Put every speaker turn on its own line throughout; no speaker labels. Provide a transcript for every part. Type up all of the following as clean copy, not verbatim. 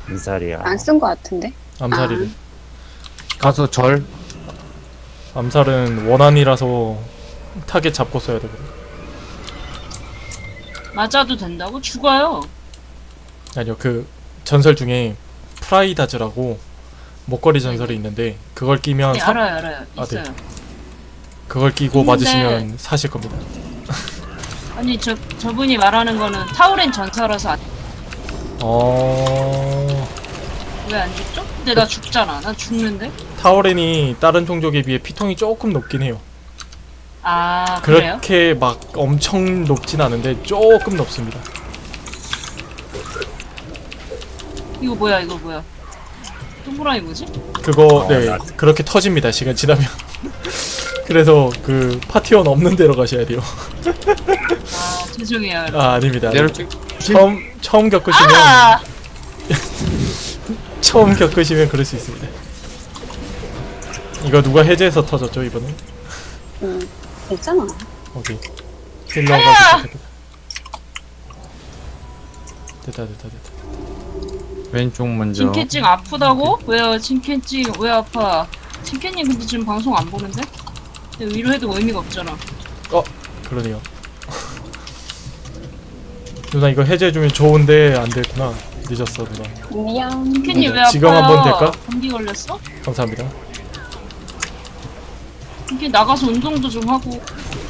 암살이야.
안 쓴 거 같은데?
암살이래.
가서 절.
암살은 원한이라서 타겟 잡고 써야 되거든.
맞아도 된다고? 죽어요.
아니요, 그 전설 중에 프라이다즈라고 목걸이 전설이 있는데 그걸 끼면
네, 알아요.
아, 네.
있어요.
그걸 끼고
있는데-
맞으시면 사실 겁니다.
아니 저분이 말하는 거는 타우렌 전사라서 왜 안 죽죠? 근데 나 죽잖아. 난 죽는데?
타오렌이 다른 종족에 비해 피통이 조금 높긴 해요.
아 그래요?
그렇게 막 엄청 높진 않은데 조금 높습니다.
이거 뭐야? 동그라미 뭐지?
그거 네 그렇게 터집니다. 시간 지나면. 그래서 그 파티원 없는 데로 가셔야 돼요.
아 죄송해요.
아 아닙니다.
내를 찍.
처음 겪으시면
아!
처음 겪으시면 그럴 수 있습니다. 이거 누가 해제해서 터졌죠 이번에?
있잖아.
오케이. 힐러가 됐다.
왼쪽 먼저.
진캐찡 아프다고? 왜요? 진캐찡 왜 아파? 진캐님 근데 지금 방송 안 보는데? 근데 위로해도 의미가 없잖아.
그러네요. 누나 이거 해제해주면 좋은데 안 됐구나. 늦었어 누나.
미안.
진캐님 왜 아파요?
지금 한번 될까?
감기 걸렸어?
감사합니다.
진캐 나가서 운동도 좀 하고.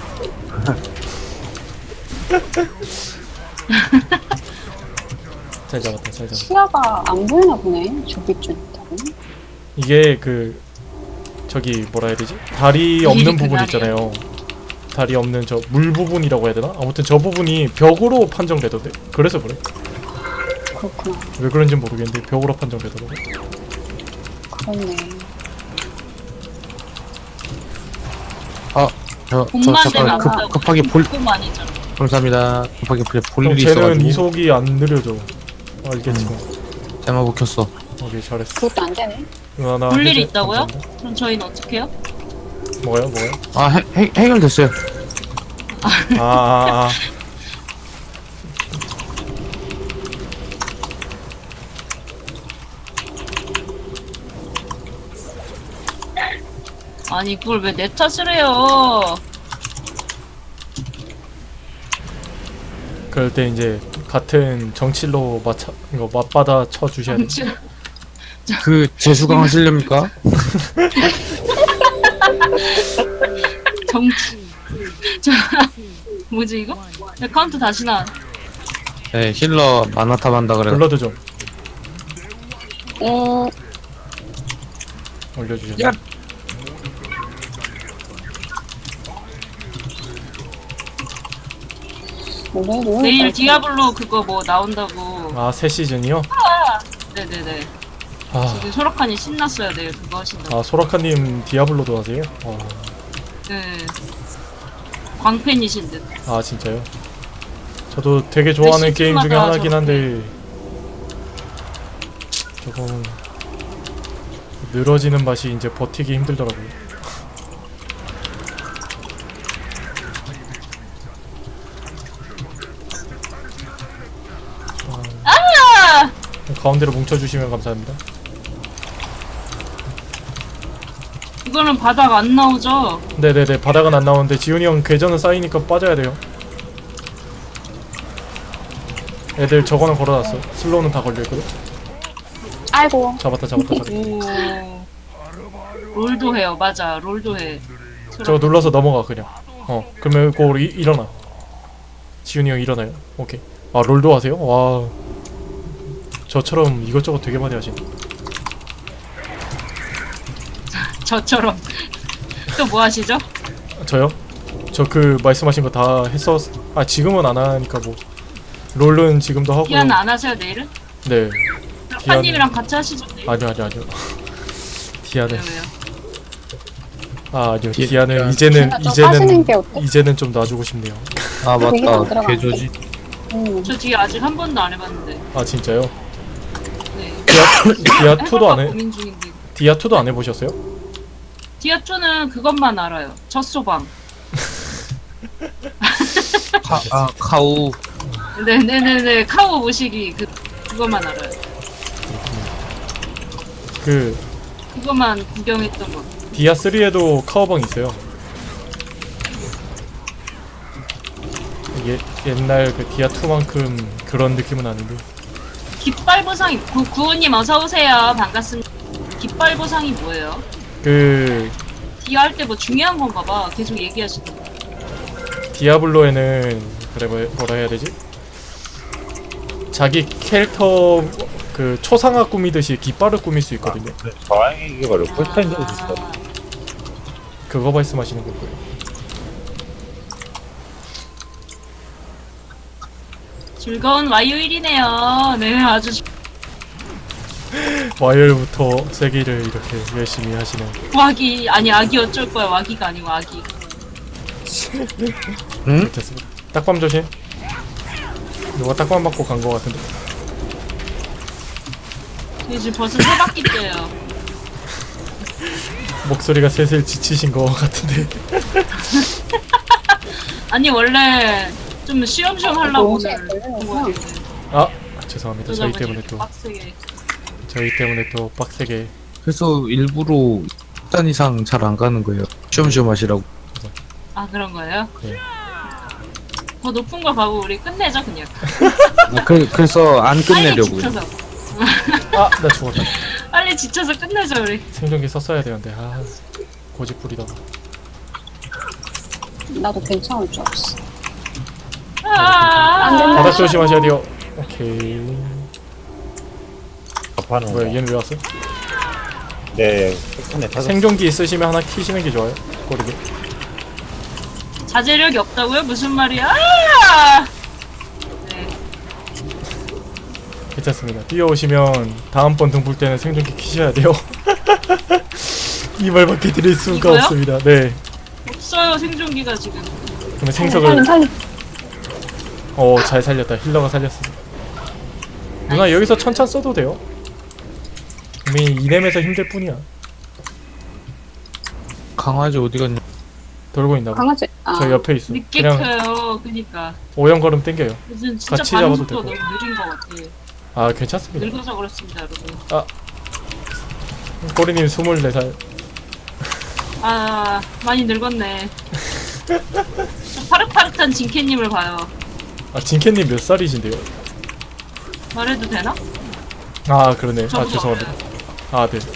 잘 잡았다.
시야가 안 보이나 보네. 저기 쪽 있다고.
이게 그 저기 뭐라 해야 되지? 다리 없는 부분
그날이에요.
있잖아요. 다리 없는 저 물 부분이라고 해야 되나? 아무튼 저 부분이 벽으로 판정되던데. 그래서 그래.
그렇구나.
왜 그런지 모르겠는데 벽으로 판정되더라고.
그렇네.
봄만 되면
잠깐
아프다고.
급하게 볼.
봄 아니잖아.
감사합니다. 급하게 볼
형
일이
쟤는
있어가지고.
이속이 안 느려져. 알겠지 뭐.
대마고 켰어.
오케이 잘했어.
그것도 안 되네.
누나 나
볼 일이
해제
있다고요?
감사합니다.
그럼 저희는 어떻게 해요?
뭐요?
아 해결됐어요.
아.
아니 그걸 왜 내 탓을 해요?
그럴 때 이제 같은 정칠로 이거 맞받아 쳐 주셔야 돼.
그 재수강 하시렵니까?
정치. 저 뭐지 이거? 야, 카운트 다시 나.
네 힐러 만화탑 한다 그래.
블러드 좀
음,
올려주셔야
야.
돼.
우리도
내일 디아블로 그거 뭐 나온다고.
아, 새 시즌이요?
네네네.
아,
지금 소라카니 신났어요. 내일 그거 하신다고.
아 소라카님 디아블로도 하세요?
네. 광팬이신 듯.
아 진짜요? 저도 되게 좋아하는 게임 중에
시즌마다
하나긴
저렇게.
한데 조금 늘어지는 맛이 이제 버티기 힘들더라고요.
아!
가운데로 뭉쳐주시면 감사합니다.
이거는 바닥 안 나오죠?
네네네, 바닥은 안 나오는데 지훈이 형 궤전은 쌓이니까 빠져야 돼요. 애들 저거는 걸어놨어. 슬로우는 다 걸려있거든.
아이고.
잡았다.
오. 롤도 해요. 맞아. 롤도 해.
저거 눌러서 넘어가 그냥. 그러면 이거 우리 일어나. 지훈이 형 일어나요. 오케이. 아 롤도 하세요? 와. 저처럼 이것저것 되게 많이 하시네.
저처럼. 또 뭐 하시죠?
저요? 저 그 말씀하신 거 다 했었. 아 지금은 안 하니까 뭐. 롤은 지금도 하고.
디아는 안 하세요 내일은?
네.
파님이랑 같이 하시죠 내일?
아니요. 디아는.
왜요?
아 아니요.
디-
디아는
디아는 좀 빠지는 게 어때?
이제는 좀 놔주고 싶네요.
아
되게
맞다.
만들어놨네.
개조지.
저 뒤에 아직 한 번도 안 해봤는데.
아 진짜요?
네.
디아2도 안 해.
고민 중인데.
디아2도 안 해보셨어요?
디아2는 그것만 알아요. 젖소방.
카우.
네네네네. 카우 모시기 그것만 알아요.
그
그것만 구경했던 거.
디아 3에도 카우방 있어요. 이게 옛날 그 디아 2만큼 그런 느낌은 아닌데.
깃발 보상이 구호님 어서 오세요. 반갑습니다. 깃발 보상이 뭐예요?
그
디아 할 때 뭐 중요한 건가 봐. 계속 얘기하시던데.
디아블로에는 그래 뭐라 해야 되지? 자기 캐릭터 그 초상화 꾸미듯이 깃발을 꾸밀 수 있거든요.
저항이 이게 바로 꿀타임 적이 있어.
그거 말씀하시는 걸 거예요.
즐거운 와요일이네요. 네, 아주
와이어부터 세기를 이렇게 열심히 하시는.
와기 아니 아기 어쩔 거야. 와기가 아니고 아기.
응?
됐습니다. 딱밤 조심. 누가 딱밤 맞고 간 거 같은데.
이제 지금 벌써 3바퀴째요.
목소리가 슬슬 지치신 거 같은데.
아니 원래 좀 쉬엄쉬엄 하려고
너무
오늘
잘
본 거였는데.
아 죄송합니다. 저희
그러다 보니
때문에
이렇게
또
빡세게.
저희 때문에 또 빡세게.
그래서 일부러 10단 이상 잘 안 가는 거예요. 쉬엄쉬엄 하시라고.
아 그런 거예요?
네.
더 높은 걸 봐고 우리 끝내죠 그냥.
그래서 안
빨리
끝내려고요.
지쳐서
아 나 죽었다.
빨리 지쳐서 끝내죠 우리.
생존기 썼어야 되는데 아 고집 부리다.
나도 괜찮을 줄 알았어.
아,
안 된다.
바닥 조심하셔야 돼요. 오케이.
접하는
뭐야
거.
얘는 왜 왔어?
네, 끝내 타서.
생존기 있으시면 하나 키시는 게 좋아요. 꼬리게.
자제력이 없다고요? 무슨 말이야? 아! 네.
괜찮습니다. 뛰어오시면 다음번 등불 때는 생존기 키셔야 돼요. 이 말밖에 드릴 수가
이거요?
없습니다. 네.
없어요 생존기가 지금.
그러면 생석을
살림.
잘 살렸다. 힐러가 살렸습니다. 누나 여기서 천천 써도 돼요. 이미 이렘에서 힘들 뿐이야.
강아지 어디 갔냐?
돌고 있나 봐.
강아지. 아,
저 옆에 있어.
늦게
그냥
켜요. 그니까
오연걸음 땡겨요.
요즘 진짜
같이 잡아도
반응속도가
되고.
너무 느린 것 같아.
아 괜찮습니다.
늙어서 그렇습니다 여러분.
꼬리님 24살.
아 많이 늙었네. 저 파릇파릇한 진캐님을 봐요.
아 진캐님 몇 살이신데요?
말해도 되나?
아 그러네. 아
저보다
죄송합니다.
어려요.
아 네.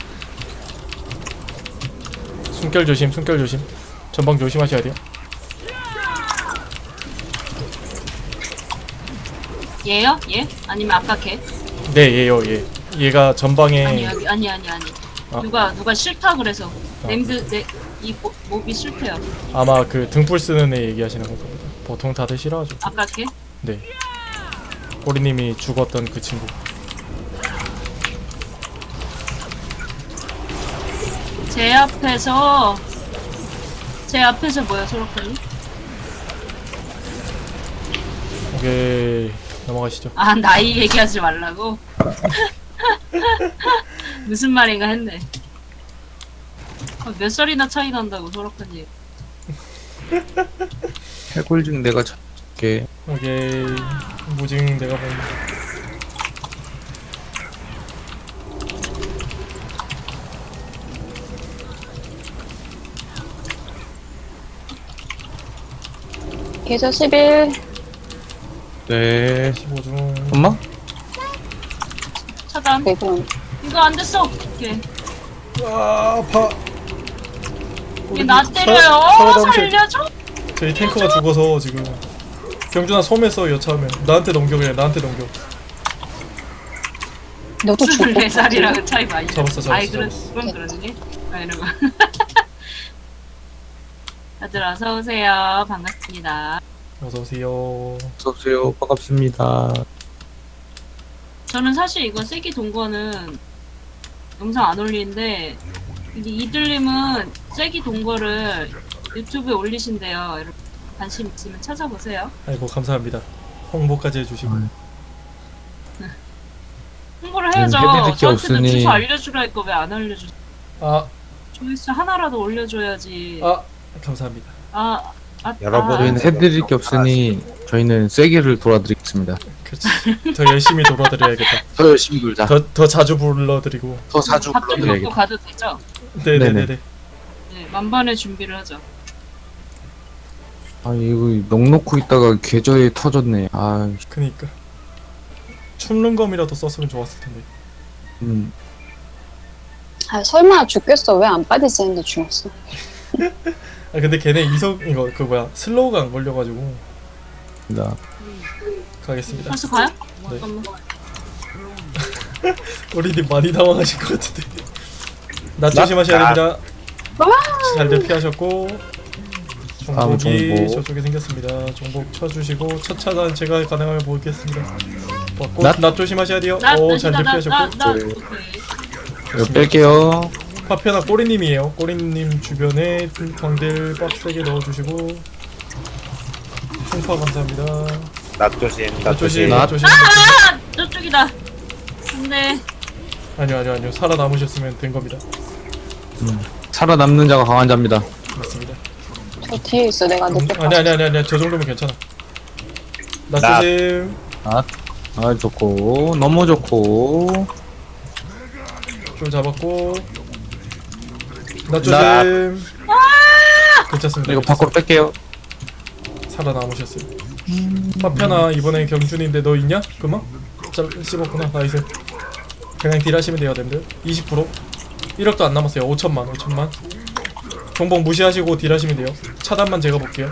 숨결 조심. 숨결 조심. 전방 조심하셔야 돼요.
얘요? 얘? 아니면 아까 걔?
네 얘요 얘. 얘가 전방에
아니 아니.
아.
누가 싫다 그래서
아.
이 몹이 싫대요.
아마 그 등불 쓰는 애 얘기하시는 걸 겁니다. 보통 다들 싫어하죠.
아까 걔?
네. 꼬리님이 죽었던 그 친구.
제 앞에서 뭐야 소라카니?
오케이 넘어가시죠.
아 나이 얘기하지 말라고? 무슨 말인가 했네. 몇 살이나 차이 난다고 소라카니.
해골증 내가 찾게.
오케이 무징 내가 보는.
계좌 11.
네.
15중.
엄마?
차단.
대본.
이거 안 됐어. 어떡해.
아 아파.
얘 나 때려요. 살려줘.
저희 탱커가 죽어서 지금. 경준아 소매서 여차하면 나한테 넘겨 그냥 나한테 넘겨.
너도 죽고.
24살이랑 차이 많이.
잡았어,
아이
잡았어.
그럼 그러니? 아 이러면. 다들 어서 오세요. 반갑습니다.
어서 오세요.
어서오세요. 반갑습니다.
저는 사실 이거 세기 동거는 영상 안 올리는데 이들님은 세기 동거를 유튜브에 올리신대요. 여러분 관심 있으면 찾아보세요.
아이고 감사합니다. 홍보까지 해주시고.
홍보를 해야죠.
해드릴 게
저한테는
없으니.
주소 알려주라 했고 왜 안 알려주?
아
조회수 하나라도 올려줘야지.
감사합니다.
아,
여러분.
저희는 해드릴 게 없으니 저희는 세게를 돌아드리겠습니다.
그렇지. 더 열심히 돌아드려야겠다.
더 열심히 돌자.
더 자주 불러드리고.
더 자주
밥 좀 먹고
불러드려야겠다.
가도 되죠?
네네네네.
네, 만반의 준비를 하죠.
아 이거 넉넉고 있다가 계좌에 터졌네. 아,
그니까. 춤릉검이라도 썼으면 좋았을 텐데.
아, 설마 죽겠어. 왜 안 빠지지 했는데 죽었어.
아 근데 걔네 이거 그 뭐야 슬로우가 안 걸려가지고
나
가겠습니다.
벌써 가요?
네.
잠깐만.
우리님 많이 당황하실 것 같은데. 나
나-
조심하셔야
나-
됩니다. 잘들 피하셨고
다음
종복이
종복.
저쪽에 생겼습니다. 종복 쳐주시고 첫 차단 제가 가능하면 보겠습니다. 받고
낫?
나 조심하셔야 돼요.
나
잘들 피하셨고
네.
오케이.
이거 뺄게요.
파편아 꼬리님이에요. 꼬리님 주변에 광들 빡세게 넣어주시고 충파 감사합니다.
낙조심,
나 조심,
낙조심.
나 조심.
아, 저쪽이다. 근데
아니요 살아남으셨으면 된 겁니다.
살아남는 자가 강한 자입니다.
맞습니다.
저 뒤에 있어. 내가 늦게 봤어.
아니야 저 정도면 괜찮아. 나
나-
조심.
아 좋고 너무 좋고.
좀 잡았고 나 조심. 괜찮습니다.
이거 밖으로 뺄게요.
살아남으셨어요. 파편아 이번엔 경준인데 너 있냐? 그만? 잘 씹었구나. 나이스. 그냥 딜하시면 돼요 됨들. 20% 1억도 안 남았어요. 5천만 종복 무시하시고 딜하시면 돼요. 차단만 제가 볼게요.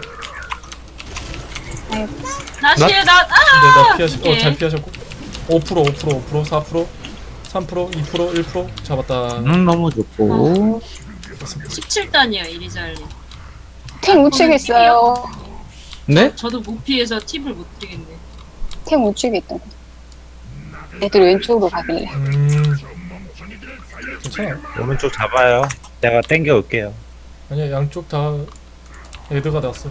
나시에 나
나 피하시고
오케이.
잘 피하셨고 5% 4% 3% 2% 1% 잡았다.
너무 좋고.
17단이야 이리잘리.
템 우측에 있어요.
네?
저도 못 피해서 팁을 못 드리겠네.
템 우측에 있다고. 애들 왼쪽으로 가길래.
괜찮아요.
오른쪽 잡아요. 내가 땡겨 올게요.
아니야 양쪽 다 애드가 났어.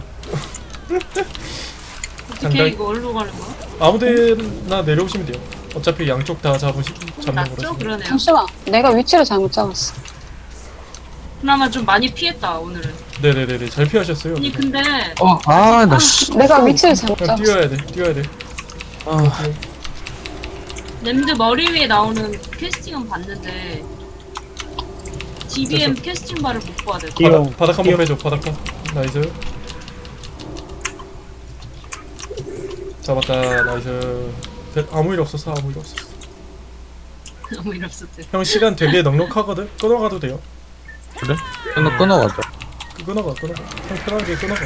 어떻게
상당히-
이거 어디로 가는 거야?
아무데나 내려오시면 돼요. 어차피 양쪽 다 잡는
낫죠?
거라서.
그러네요.
잠시만. 내가 위치를 잘못 잡았어.
그나마 좀 많이 피했다 오늘은.
네네네네 잘 피하셨어요.
아니 근데
나 씨.
내가 위치를 잘못
그냥
잡았어.
뛰어야 돼.
아,
램드 머리 위에 나오는 캐스팅은 봤는데 DBM 캐스팅 바를 못 봐야 돼.
뛰어.
바닥 한번 빼줘. 바닥. 나이스. 잡았다. 나이스. 아무 일 없었어.
아무 일 없었대.
형 시간 되게 넉넉하거든. 끊어가도 돼요.
그래? 끊어가죠.
끊어가. 형 편하게 끊어가.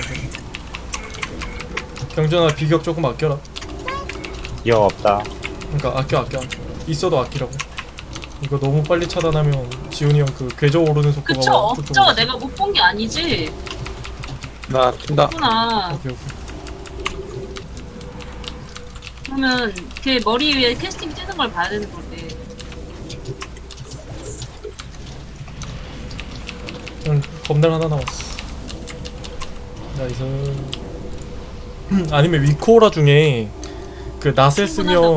경준아 비격 조금 아껴라.
기억 없다.
그러니까 아껴. 있어도 아끼라고. 이거 너무 빨리 차단하면 지훈이 형 그 궤적 오르는 속도가
그쵸?
와,
없죠? 내가 못 본 게 아니지.
나 튄다.
구나.
오케이.
그러면 걔 머리 위에 캐스팅 뜨는 걸 봐야 되는 건데.
형 검날 하나 남았어. 나이스. 아니면 위코라 중에 그 낫을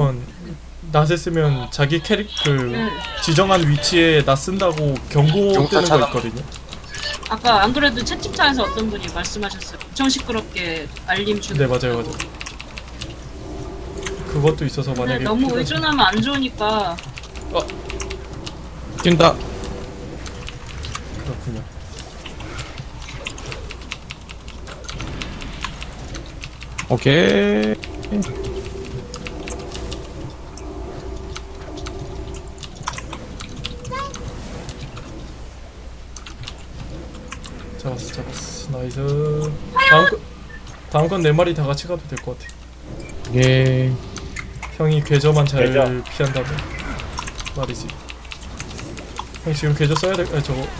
쓰면 자기 그
응.
지정한 위치에 낫 쓴다고 경고
경사
뜨는 거
차단.
있거든요.
아까 안 그래도 채팅창에서 어떤 분이 말씀하셨어요. 엄청 시끄럽게 알림 주는.
네 맞아요. 그것도 있어서
근데
만약에
너무
필요하시-
의존하면 안 좋으니까.
뛴다.
그렇군요.
오케이.
잡았어. 나이스. 다음 건 네 마리 다 같이 가도 될 것 같아.
예.
형이 궤저만 잘
궤저.
피한다면 말이지. 형 지금 궤저 써야 될. 아니 저거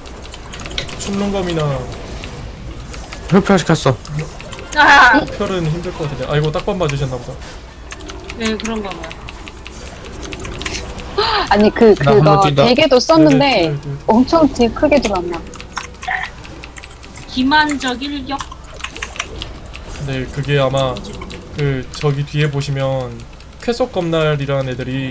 춤농검이나
흡혈시켰어.
아!
흡혈은 힘들 것 같은데. 아이고 딱밤 맞으셨나 보다.
네 그런가 봐요.
아니
나 한번
그거
뛴다.
대게도 썼는데
네.
엄청 딜 크게 들어왔나.
기만적 일격.
네 그게 아마 그 저기 뒤에 보시면 쾌속 검날이라는 애들이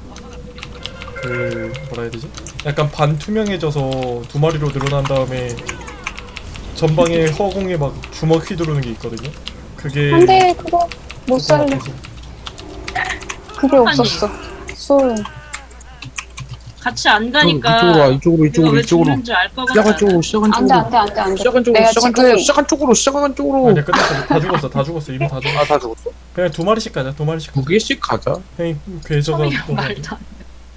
그 뭐라 해야 되지? 약간 반투명해져서 두 마리로 늘어난 다음에 전방에 허공에 막 주먹 휘두르는 게 있거든요. 그게
안돼 그거 못 살려.
그래서
그게 없었어. 술.
같이 안 가니까
이쪽으로 와, 이쪽으로,
내가
이쪽으로,
왜
이쪽으로.
죽는지 알 것 같아.
시작한 쪽으로, 시작한
안돼
쪽으로.
안돼 안돼 안돼.
시작한 쪽으로,
내가
시작한
지금
쪽으로, 시작한 쪽으로, 시작한 쪽으로.
아니야 끝났어. 다 죽었어. 다 죽었어. 이미 다 죽었어.
아, 다 죽었어?
그냥 2마리씩 가자. 2마리씩.
2개씩 가자.
형이 궤저가
처음이야
너무
말도 안 돼.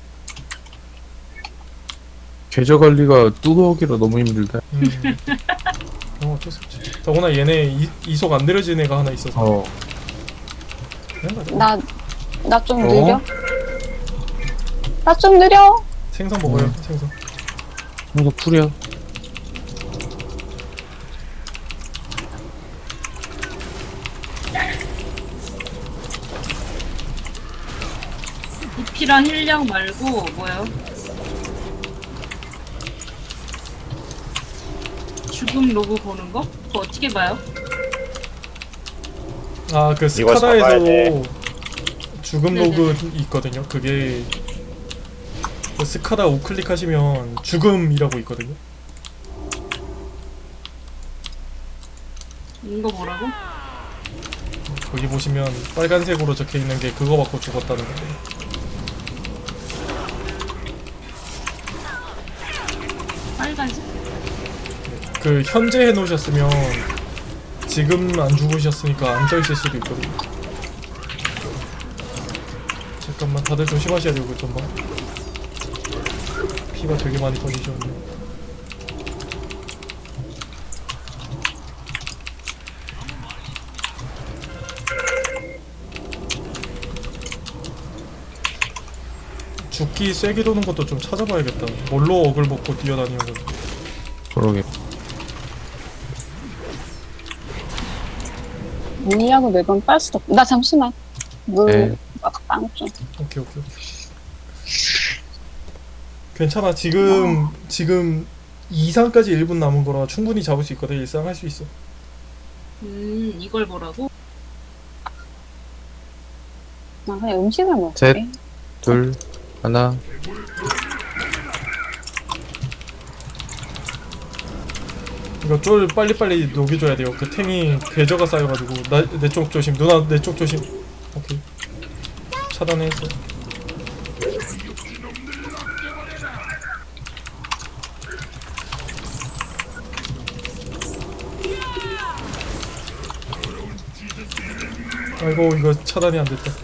계좌 관리가 뚜벅이라 너무 힘들다.
어쩔 수 없지. 더구나 얘네 이속 안 느려진 애가 하나 있어서.
어.
그냥 가자.
나 좀
어?
느려. 나 좀 느려.
생선 먹어요. 생선.
이거 풀이야.
부피랑 힐량 말고 뭐요? 죽음 로그 보는 거? 그거 어떻게 봐요?
아 그
이거 잡아야
스카다에서
돼.
죽음
네네.
로그 있거든요. 그게 그 스카다 우클릭 하시면 죽음이라고 있거든요.
이거 뭐라고?
거기 보시면 빨간색으로 적혀 있는 게 그거 받고 죽었다는 건데.
빨간색?
그 현재 해놓으셨으면 지금 안 죽으셨으니까 안 떠있을 수도 있거든요. 잠깐만 다들 조심하셔야 되고 좀 봐. 피가 되게 많이 터지셨네. 죽기 세게 도는 것도 좀 찾아봐야겠다. 뭘로 억을 먹고 뛰어다니는 건지.
그러게.
물약을 매번 빨 수도 없. 나 잠시만. 물
네.
빵 좀.
오케이. 괜찮아. 지금 2상까지 1분 남은 거라 충분히 잡을 수 있거든. 1상 할 수 있어.
이걸 보라고?
나 그냥 음식을 먹을게.
셋. 둘, 하나.
이거 쫄 빨리빨리 녹여줘야 돼요. 그 탱이 궤저가 쌓여가지고 내 쪽 조심. 누나 내 쪽 조심. 오케이. 차단했어. 아이고 이거 차단이 안 됐다.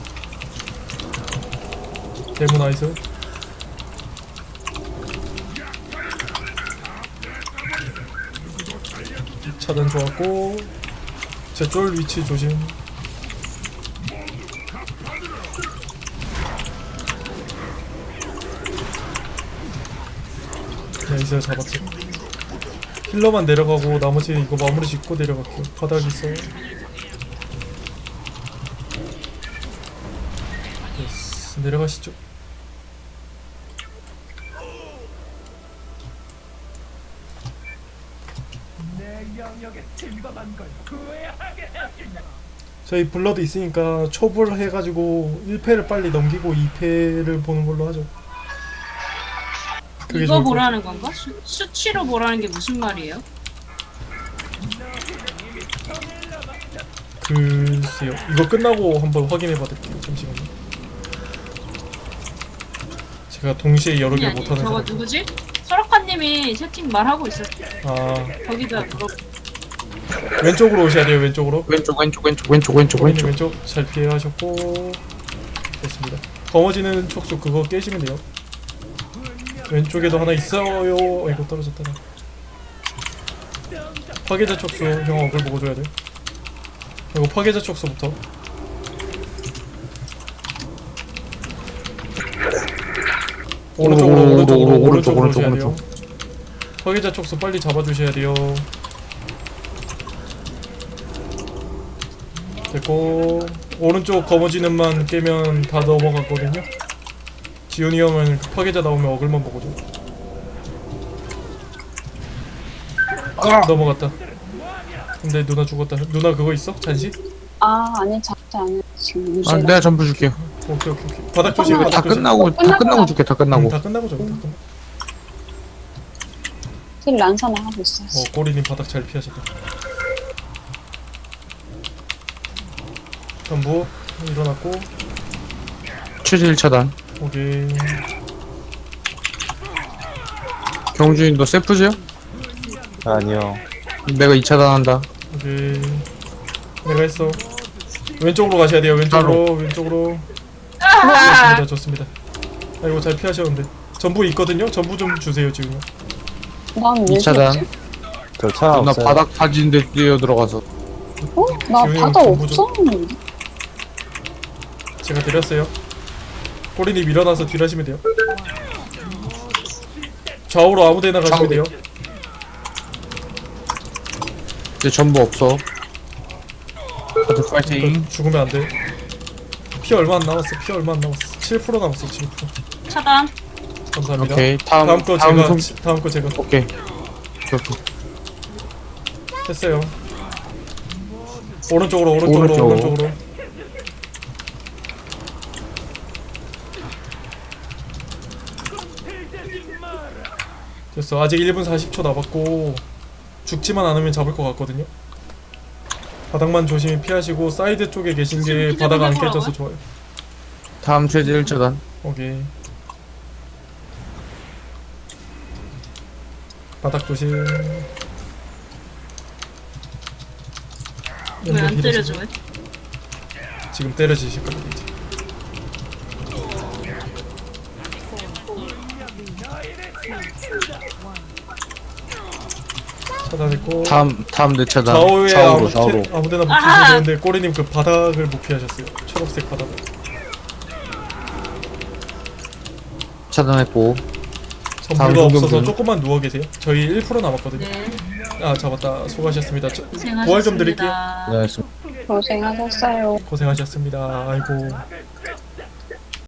데모 나이스. 차단 좋았고 제 쫄 위치 조심. 나이스 잡았지. 힐러만 내려가고 나머지 이거 마무리 짓고 내려갈게요. 바닥 있어. 예스. 내려가시죠. 저희 블러드 있으니까 초불 해가지고 1패를 빨리 넘기고 2패를 보는 걸로 하죠. 그게
이거
좋을 것
보라는 건가? 수치로 보라는 게 무슨 말이에요?
글쎄요. 이거 끝나고 한번 확인해 받을게요. 잠시만요. 제가 동시에 여러 개
아니,
못하는
저거
사람.
누구지? 설악한님이 채팅 말하고 있었어.
아
거기다 물어.
왼쪽으로 오셔야 돼요. 왼쪽으로.
왼쪽.
고객님 왼쪽 잘 피하셨고 됐습니다. 검어지는 촉수 그거 깨시면 돼요. 왼쪽에도 하나 있어요. 아이고 떨어졌다. 나. 파괴자 촉수 형 억을 보고 줘야 돼. 그리고 파괴자 촉수부터. 오른쪽으로 오셔야 돼요. 파괴자 촉수 빨리 잡아주셔야 돼요. 됐고 오른쪽 검어지는만 깨면 다 넘어갔거든요. 지훈이 형은 파괴자 나오면 어글만 보고 줘. 넘어갔다. 근데 누나 죽었다. 누나 그거 있어? 잔시?
아 아니 잡지 않아 지금
아,
무시라.
내가 전부 줄게요.
오케이. 바닥 조심.
다
바닥 조심.
끝나고 줄게. 다 끝나고.
다 끝나고 줘. 다 끝나고.
힐 란사나 하고 있어.
꼬리님 바닥 잘 피하셨다. 전부 일어났고.
최대 1차단.
오케이.
경준이 너 세프즈야?
아니요.
내가 2차단 한다.
오케이. 내가 했어. 왼쪽으로 가셔야 돼요. 왼쪽으로. 왼쪽으로. 좋습니다. 좋습니다. 아이고 잘 피하셨는데. 전부 있거든요. 전부 좀 주세요 지금.
난왜
2차단.
죽지?
저 차
나
없어요.
바닥 다진데 뛰어 들어가서.
어? 나
지금
바다
전부 좀-
없었는데?
제가 드렸어요. 꼬리님 일어나서 딜하시면 돼요. 좌우로 아무데나 가시면 돼요.
이제 전부 없어. 다들 파이팅.
이거 죽으면 안 돼. 피 얼마 안 남았어. 피 얼마 안 남았어. 7% 남았어. 7%.
차단.
감사합니다.
오케이. 다음
다음 거
다음
제가
송.
다음 거 제가
오케이. 오케이.
했어요. 오른쪽으로 오른쪽으로
오른쪽.
오른쪽으로. 됐어. 아직 1분 40초 남았고 죽지만 않으면 잡을 것 같거든요. 바닥만 조심히 피하시고 사이드 쪽에 계신 게 바닥 안 깨져서 좋아요.
다음 최대 1차단.
오케이. 바닥 조심.
왜 안 때려줘? 왜?
지금 때려지실 겁니다. 이제. 차단했고
다음 내 차단.
좌우에
좌우로 좌우로.
아무데나 못
아하!
피시면 되는데 꼬리님 그 바닥을 못 피하셨어요. 초록색 바닥을.
차단했고. 다음
전부가 없어서
성경분.
조금만 누워 계세요. 저희 1% 남았거든요.
네.
아 잡았다. 수고하셨습니다.
고생하셨습니다.
부활 좀 드릴게요.
네, 알겠습니다.
고생하셨어요.
고생하셨습니다. 아이고